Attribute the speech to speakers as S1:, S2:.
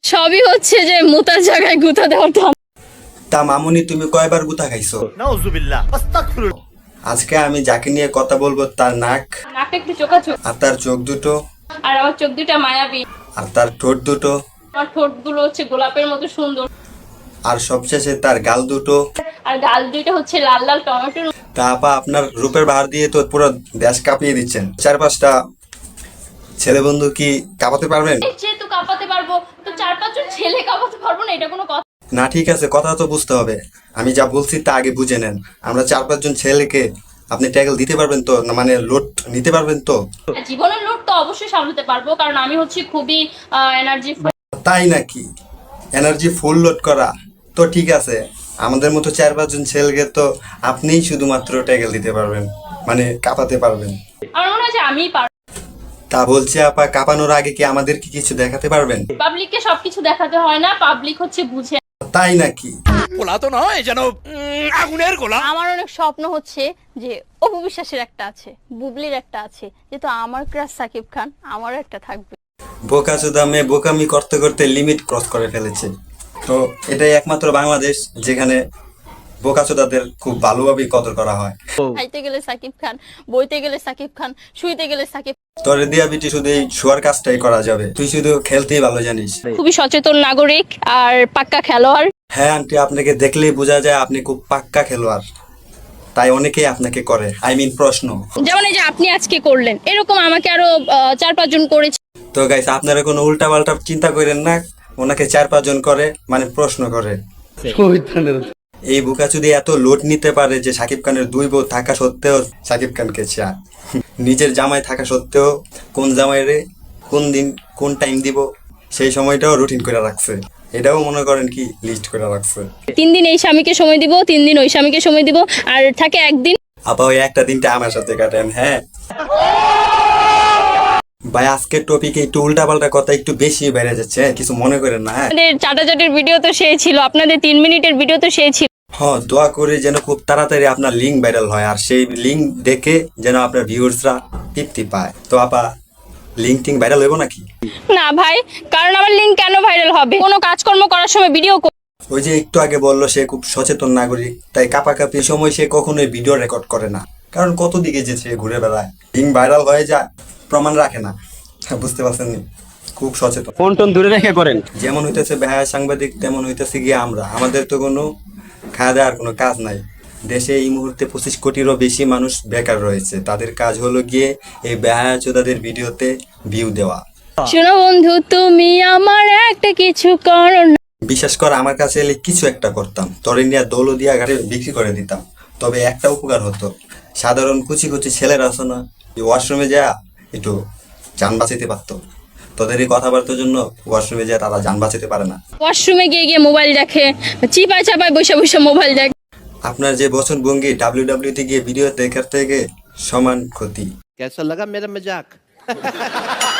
S1: সবই হচ্ছে যে মুতার জায়গায় গুতা দেওয়ার ধাম।
S2: তা মামুনি তুমি কয়বার গুতা খাইছো?
S3: নাউজুবিল্লাহ আস্তাগফিরুল্লাহ।
S2: আজকে আমি যাকে নিয়ে কথা বলবো তার
S1: নাকটা একটু চোখাচোখ,
S2: আর তার চোখ দুটো,
S1: আর আমার চোখ দুটা মায়াবী,
S2: আর তার ঠোঁট দুটো,
S1: আমার ঠোঁট গুলো হচ্ছে গোলাপের মতো সুন্দর,
S2: আর সবশেষে তার গাল দুটো।
S1: আর গাল দুইটা হচ্ছে লাল লাল টমেটোর।
S2: তা আপা আপনার রূপের বাহার দিয়ে তো পুরো দেশ কাঁপিয়ে দিচ্ছেন। 4-5টা ছেলে বন্ধু কি কাঁপাতে পারবেন?
S1: যেহেতু কাঁপাতে পারবো তো 4-5 জন ছেলে কাঁপাতে পারবো না, এটা কোনো কথা?
S2: না ঠিক আছে, কথা তো বুঝতে হবে। আমি যা বলছি তা আগে বুঝে নেন। আমরা 4-5 জন ছেলেকে আপনি ট্যাগল দিতে পারবেন তো? না মানে লোড নিতে পারবেন তো?
S1: জীবনের লোড তো অবশ্যই সামলাতে পারবো, কারণ আমি হচ্ছে খুবই এনার্জি।
S2: তাই নাকি? এনার্জি ফুল লোড করা তো ঠিক আছে। আমাদের মতো 4-5 জন ছেলেকে তো আপনিই শুধুমাত্র ট্যাগল দিতে পারবেন, মানে কাঁপাতে পারবেন।
S1: আমার মনে হয় যে আমিই পারবো।
S2: তা বলছি আপা, কাঁপানোর আগে কি আমাদের কি কিছু দেখাতে পারবেন?
S1: পাবলিককে সবকিছু দেখাতে হয় না, পাবলিক হচ্ছে বুঝে।
S2: তাই নাকি?
S3: গোলা তো নয় যেন আগুনের গোলা।
S1: আমার অনেক স্বপ্ন হচ্ছে যে অপু বিশ্বাসের একটা আছে, বুবলির একটা আছে, যেহেতু আমার ক্রাশ সাকিব খান, আমারও একটা থাকবে।
S2: বোকাচোদা মেয়ে বোকামি করতে করতে লিমিট ক্রস করে ফেলেছে। তো এটাই একমাত্র বাংলাদেশ যেখানে বোকাচোদাদের খুব ভালোভাবেই কদর করা হয়।
S1: খাইতে গেলে সাকিব খান, বইতে গেলে সাকিব খান, শুইতে গেলে সাকিব।
S2: তোরে দিয়া বিটি শুধু এই শোয়ার কাজটাই করা যাবে, তুই শুধু খেলতেই ভালো জানিস।
S1: খুবই সচেতন নাগরিক আর পাক্কা খেলোয়াড়।
S2: হ্যাঁ আন্টি, আপনাকে দেখলেই বোঝা যায় আপনি খুব পাক্কা খেলোয়াড়, তাই অনেকেই আপনাকে করে। প্রশ্ন
S1: যেমন এই যে আপনি আজকে করলেন, এরকম আমাকে আরো 4-5 জন করেছে।
S2: তো গাইস, আপনারা কোনো উল্টা পাল্টা চিন্তা করেন না। ওনাকে 4-5 জন করে, মানে প্রশ্ন করে। এই বোকাচুদি এত লোড নিতে পারে যে সাকিব খানের 2 বউ থাকা সত্ত্বেও সাকিব খানকে চায়। নিজের জামাই থাকা সত্ত্বেও কোন জামাইরে কোন দিন কোন টাইম দিব সেই সময়টাও রুটিন করে রাখছে। এটাও মনে করেন কি লিস্ট করে রাখছে।
S1: 3 দিন এই স্বামীকে সময় দিব, 3 দিন ওই স্বামীকে সময় দিব, আর থাকে একদিন।
S2: আপা ওই একটা দিনটা আমার সাথে কাটেন। হ্যাঁ ভাই, আজকের টপিকে একটু উল্টা পাল্টা কথা একটু বেশি বেড়ে যাচ্ছে, কিছু মনে করেন না। হ্যাঁ
S1: আপনাদের চাটাচাটির ভিডিও তো সেই ছিল, আপনাদের 3 মিনিটের ভিডিও তো সেই ছিল।
S2: হ্যাঁ, দোয়া করে যেন খুব তাড়াতাড়ি আপনার লিঙ্ক ভাইরাল হয়, আর সেই লিঙ্ক দেখে যেন আপনার ভিউয়ার্সরা তৃপ্তি পায়। তো আপা লিঙ্ক টিঙ্ক ভাইরাল হইব নাকি?
S1: না ভাই, কারণ আমার লিঙ্ক কেন ভাইরাল হবে? কোনো কাজকর্ম করার সময় ভিডিও।
S2: ওই যে একটু আগে বললো সে খুব সচেতন নাগরিক, তাই কাপাকাপির সময় সে কখনোই ভিডিও রেকর্ড করে না, কারণ কত দিকে যে সে ঘুরে বেড়ায়, লিঙ্ক ভাইরাল হয়ে যায়, প্রমাণ রাখে না। বুঝতে পারছেন নি? খুব সচেতন।
S4: ফোন টোন দূরে রেখে করেন।
S2: যেমন হইতেছে বেহায়া সাংবাদিক, তেমন হইতেছে গিয়ে আমরা। আমাদের তো কোনো খাওয়া দাওয়ার কোনো কাজ নাই। দেশে এই মুহূর্তে 25 কোটিরও বেশি মানুষ বেকার রয়েছে, তাদের কাজ হলো গিয়ে এই বেহায়া চোদাদের ভিডিওতে ভিউ দেওয়া।
S1: শোনো বন্ধু, তুমি আমার একটা কিছু করো না।
S2: বিশেষ করে আমার কাছে এলে কিছু একটা করতাম, তরে নিয়ে দৌলদিয়া ঘাটে বিক্রি করে দিতাম। তবে একটা উপকার হতো, সাধারণ কুচি কুচি ছেলেরা আছে না, ওয়াশরুমে যা একটু যান বাঁচাতে পারতো। তোদের এই কথাবার্তার জন্য ওয়াশরুমে যায় তারা যান বাঁচাতে পারে না।
S1: ওয়াশরুমে গিয়ে গিয়ে মোবাইল দেখে, চিপায় চাপায় বসে বসে মোবাইল দেখে।
S2: আপনার যে বচন ভঙ্গি ডাব্লিউডাব্লিউতে গিয়ে ভিডিও দেখার থেকে সমান ক্ষতি।
S3: कैसा लगा मेरा मजाक?